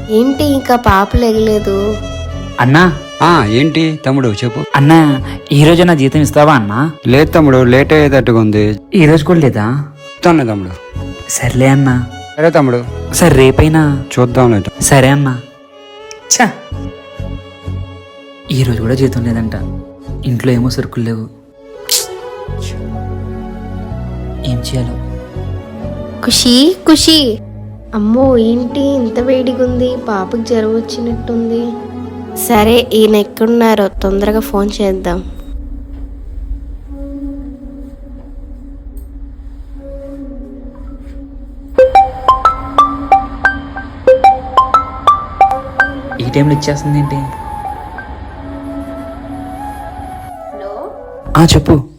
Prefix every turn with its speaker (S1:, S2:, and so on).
S1: ఏంటి ఇంకా పాపలు ఎగలేదు?
S2: అన్నా
S3: ఏంటి తమ్ముడు చెప్పు.
S2: అన్నా ఈ రోజు నా జీతం ఇస్తావా అన్నా?
S3: లేదు తమ్ముడు, లేట్ అయ్యేటట్టుగా ఉంది.
S2: ఈ రోజు కూడా లేదా?
S3: ఇస్తాను తమ్ముడు.
S2: సర్లే అన్నా.
S3: సరే తమ్ముడు,
S2: సరే రేపైనా
S3: చూద్దాం లేదు.
S2: సరే అన్నా. ఛా, ఈ రోజు కూడా జీతం లేదంట. ఇంట్లో ఏమో సరుకులు లేవు. ఏం చేయాలో?
S1: ఖుషి ఖుషి, అమ్మో ఏంటి ఇంత వేడిగుంది, పాపకి జ్వరం వచ్చినట్టుంది. సరే ఈయన ఎక్కడున్నారో తొందరగా ఫోన్ చేద్దాం.
S2: ఈ టైంలో ఇచ్చేస్తుంది ఏంటి? చెప్పు.